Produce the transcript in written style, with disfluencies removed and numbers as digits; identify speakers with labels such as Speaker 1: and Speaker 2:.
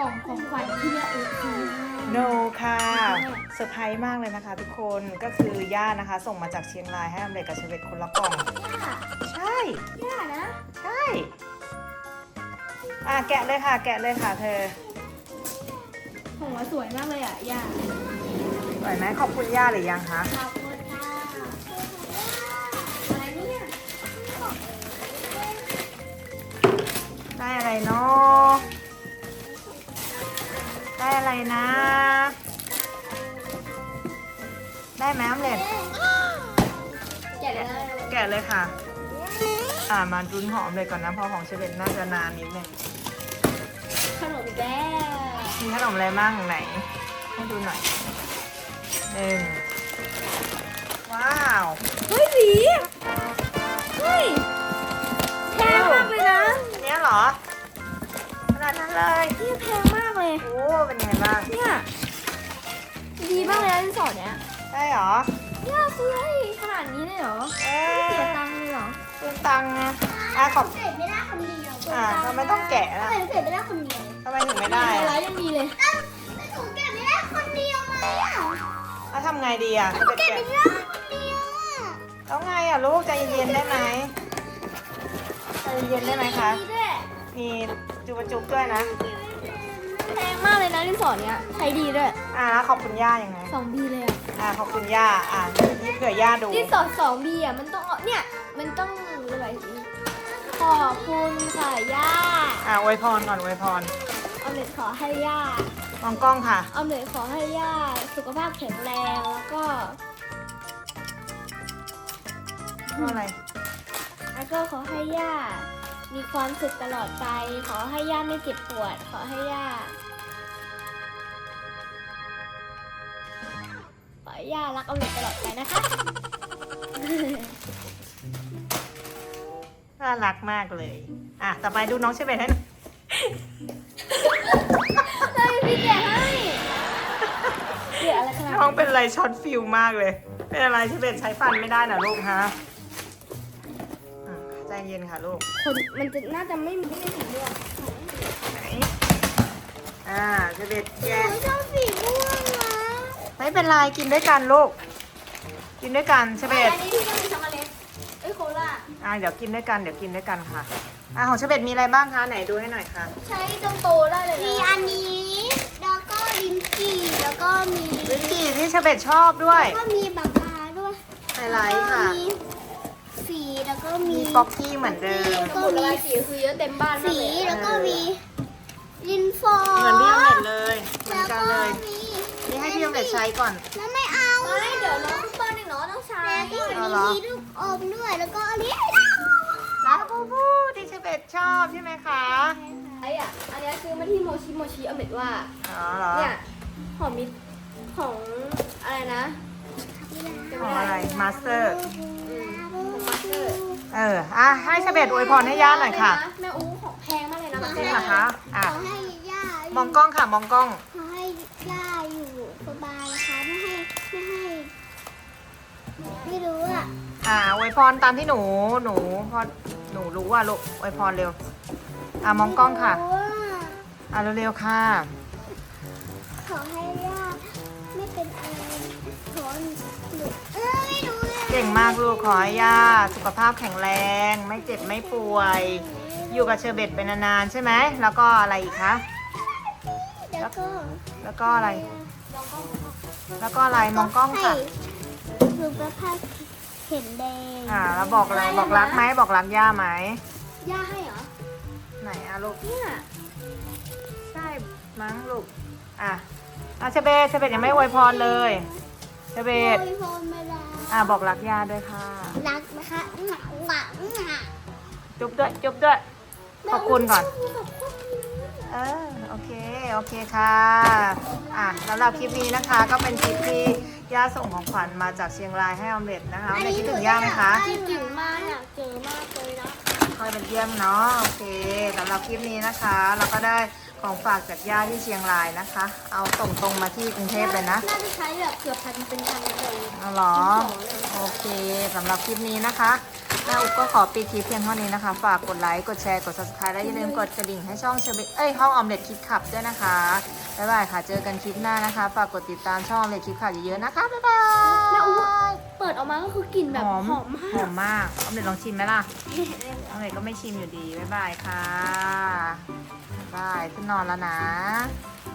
Speaker 1: ล่องของขวัญที่แม่อุ๊ซื้อให้
Speaker 2: โนค่ะเซอร์ไพรส์มากเลยนะคะทุกคนก็คือย่านะคะ ส่งมาจากเชียงรายให้อเมริกกับเชเวตคนละกล่อง
Speaker 1: ย่า
Speaker 2: ใช่
Speaker 1: ย่านะ
Speaker 2: ใช่แกะเลยค่ะ แกะเลยค่ะเธอ
Speaker 1: ผมว่าสวยมากเลยอ่ะย่า
Speaker 2: สวยไหมขอบคุณย่าหรือยังคะ
Speaker 1: ขอบคุณค่ะอะไรเนี่ย
Speaker 2: ได้อะไรเนาะได้อะไรนะ ได้ไหมออมเล็ต
Speaker 1: แกะเลย
Speaker 2: แกะเลยค่ะมาดุนหอมเลยก่อนนะเพราะของเชเวตน่าจะนานนิดนึง
Speaker 1: ขนมอีกแล้ว
Speaker 2: มีขนมอะไรบ้างไหน ให้ดูหน่อยหนึ่งว้าว
Speaker 1: เฮ้ยหวีเฮ้ยแพงมากเลยนะ
Speaker 2: เนี้ยเหรอขนาดนั้นเลย
Speaker 1: นี่แพงมากเลย
Speaker 2: โอ้เป็นไงบ้าง
Speaker 1: เนี่ยดีมากเลยนะที่สอนเนี้ย
Speaker 2: ได้เหรอ
Speaker 1: ย่าซื้อให้ขนาดนี้เลยเหรอ
Speaker 2: เอ
Speaker 1: เสีย
Speaker 2: อ
Speaker 1: ตังค์เลยเหรอ
Speaker 2: เป็นตังค์นะขอบ
Speaker 3: เสร็จไม่ได้คนเดียว
Speaker 2: ทำไมต้องแกะ
Speaker 3: ทำ
Speaker 2: ล่ะ
Speaker 3: ไมเสร็จไม่ได้คนเดียว
Speaker 2: ทำไมถึงไม่ได้
Speaker 1: อะไร
Speaker 2: อะ
Speaker 1: ยังมีเลย
Speaker 3: แต่หนูแกะไม่ได้คนเดียวไหมอ่ะ
Speaker 2: แล้วทำไงดีอ่ะจะไป
Speaker 3: แกะ
Speaker 2: แกะ
Speaker 3: ไม่ได้คนเดียวอ่ะ
Speaker 2: แล้วไงอ่ะลูกใจเย็นๆได้ไหมใจเย็นๆได้ไหมคะ
Speaker 1: ดีด้วย
Speaker 2: มีจุบจุบด้วยนะ
Speaker 1: แพงมากเลยนะที่สอนเนี้ยใช้ดีด้วย
Speaker 2: แล้วขอบคุณย่ายังไง
Speaker 1: 2B เลยอ่ะ
Speaker 2: ขอบคุณย่านี่เผื่อย่าดู
Speaker 1: ที่สอน 2B อ่ะมันต้องเอาเนี่ยมันต้องอะไรสิขอบคุณค่ะย่า
Speaker 2: อวยพรก่อนอวยพร
Speaker 1: ออมเล็ตขอให้ย่าม
Speaker 2: องกล้องค่ะ
Speaker 1: ออมเล็ตขอให้ย่าสุขภาพแข็งแรงแล้วก็
Speaker 2: อะไร
Speaker 1: แล้วก็ขอให้ย่ามีความสุขตลอดไป ขอให้ย่าไม่เจ็บปวด ขอให้ย่าขอให้ย่ารักออมเล็ตตลอดไปนะคะ
Speaker 2: น่ารักมากเลย ต่อไปดูน้องเชเบตให้หน่อย
Speaker 1: เฮ้ยพี่แกะให้เดี๋ยวอะไรขนาด
Speaker 2: น้องเป็นอะไรช็อตฟิลมากเลย เป็นอะไรเชเบตใช้ฟันไม่ได้นะลูกฮะใจเย็นค่ะลูก
Speaker 1: คนมันจะน่าจะไม่มีไม่ถึงเรื่อง
Speaker 2: ไหนเชเบตแกะ
Speaker 3: หนูชอบสีม่วงนะ
Speaker 2: ไม่เป็นไรกินด้วยกันลูก กินด้วยกันเชเบต
Speaker 1: อันนี้ที่ต้องมีช็อกโกแลตเอ้ยโคลา
Speaker 2: เดี๋ยวกินด้วยกันเดี๋ยวกินด้วยกันค่ะของเชเบตมีอะไรบ้างคะไหนดูให้หน่อยค่ะ
Speaker 1: ใช้จนโตได้เลย
Speaker 3: มี
Speaker 1: นะ
Speaker 3: อันนี้ แล้วก็ลิ้นจี่แล้วก็มี
Speaker 2: ลิ้นจี่ที่เชเบตชอบด้วย
Speaker 3: แล้วก็มีปากกาด้วย
Speaker 2: ไฮไลท์ค่ะ
Speaker 3: แล้วก็มีสีแล้วก็มี
Speaker 2: มีป๊อกกี้เหมือนเดิม
Speaker 1: สมุดระบายสีคือเยอะเต็มบ้านมาก
Speaker 3: สี
Speaker 1: เลย
Speaker 3: แล้วก็มีลินฟอ
Speaker 2: เหมือนพี่ออมเล็ตเลยเหมือน
Speaker 3: แล้ว
Speaker 2: กัน
Speaker 3: ก็
Speaker 2: เลย
Speaker 3: มี
Speaker 2: นี่ให้พี่ออมเล็ตใช้ก่อน
Speaker 3: แล้วไม่เอา
Speaker 1: ไม่เดี๋ยวน้องเปิ้ลเองเนาะต้องใช้
Speaker 3: แล้วก็
Speaker 2: เอาเหรอ
Speaker 3: มีลูกอมด้วยแล้วก็อันนี้
Speaker 2: ลาบูบูที่เชเบตชอบใช่ไหมคะ
Speaker 1: ไอ้อะอันนี้ซื้อมาที่โมชิเอาเม็ดว่า
Speaker 2: อ๋อเหรอ
Speaker 1: เนี่ยหอมมิตรของอะไรนะ
Speaker 2: ของอะไรมาสเตอร์
Speaker 1: ของมาสเตอร์
Speaker 2: ให้เชเบตอวยพรให้ย่าหน่อยค่ะ
Speaker 1: แม่อู้ของแพงมากเลยนะมาส
Speaker 2: จ
Speaker 1: เต
Speaker 2: ริ
Speaker 1: อง ร์
Speaker 2: เหรอคะ
Speaker 3: ขอให้ย่าม
Speaker 2: องกล้องค่ะมองกล้อง
Speaker 3: ขอให้ย่าอยู่สบายนะคะไม่รู้อ่ะ
Speaker 2: อวยพรตามที่หนูพอหนูรู้ว่าลูกอวยพรเร็วมองกล้องค่ะ
Speaker 3: ไม่รู้อะ
Speaker 2: เร็วๆค่ะ
Speaker 3: ขอให้ย่าไม่เป็นอะไรขอหนูไม่รู้เลย
Speaker 2: เก่งมากลูกขอให้ย่าสุขภาพแข็งแรง ไม่เจ็บไม่ป่วย อยู่กับเชอร์เบตเป็นนานๆใช่ไหมแล้วก็อะไรอีกคะ
Speaker 3: แล้วก็
Speaker 2: แล้วก็อะไร แล้วก็อะไรมองกล้องค่ะ
Speaker 3: ให้สุขภาพแข็งแรง
Speaker 2: แล้วบอกอะไรบอกรักไหมบอกรักย่าไหม
Speaker 1: ย่าให้เหรอ
Speaker 2: ไหนลูก
Speaker 1: เนี่ย
Speaker 2: ใช่มั้งลูกเชอร์เบตยังไม่อวยพรเลยเชอร์เบต
Speaker 3: โอ้ยพรไม่ได้
Speaker 2: บอกรักย่าด้วยค่ะ
Speaker 3: รักนะคะหนักหวังอ่ะ
Speaker 2: จุ๊บด้วยขอบคุณก่อนโอเคค่ะสำหรับคลิปนี้นะคะก็เป็นคลิปที่ย่าส่งของขวัญมาจากเชียงรายให้ออมเล็ตนะคะออมเล็ตคิดถึงย่าไหมคะ
Speaker 1: คิดถึงมากอยากเจอมากเลยนะ
Speaker 2: คอยเป็นเยี่ยมเนาะโอเคสำหรับคลิปนี้นะคะเราก็ได้ของฝากจากย่าที่เชียงรายนะคะ เอาส่งตรงมาที่กรุงเทพเลยนะ
Speaker 1: น่าจะใช้แบบเกือบพันเป็นพันเลย
Speaker 2: เอาเหรอโอเคสำหรับคลิปนี้นะคะแม่อุ๊บก็ขอปิดคลิปเพียงเท่านี้นะคะ ฝากกดไลค์ กดแชร์ กด subscribe และอย่าลืมกดกระดิ่งให้ช่องห้องออมเล็ตคิดขับด้วยนะคะ บ๊ายบายค่ะ เจอกันคลิปหน้านะคะ ฝากกดติดตามช่องออมเล็ตคิดขับเยอะๆนะคะ บ๊ายบาย
Speaker 1: แม่อุ๊บเปิดออกมาก็คือกลิ่นแบบหอมมาก
Speaker 2: หอมมากออมเล็ตลองชิมไหมล่ะออมเล็ตก็ไม่ชิมอยู่ดี บ๊ายบายค่ะ บ๊ายบายขึ้นนอนแล้วนะ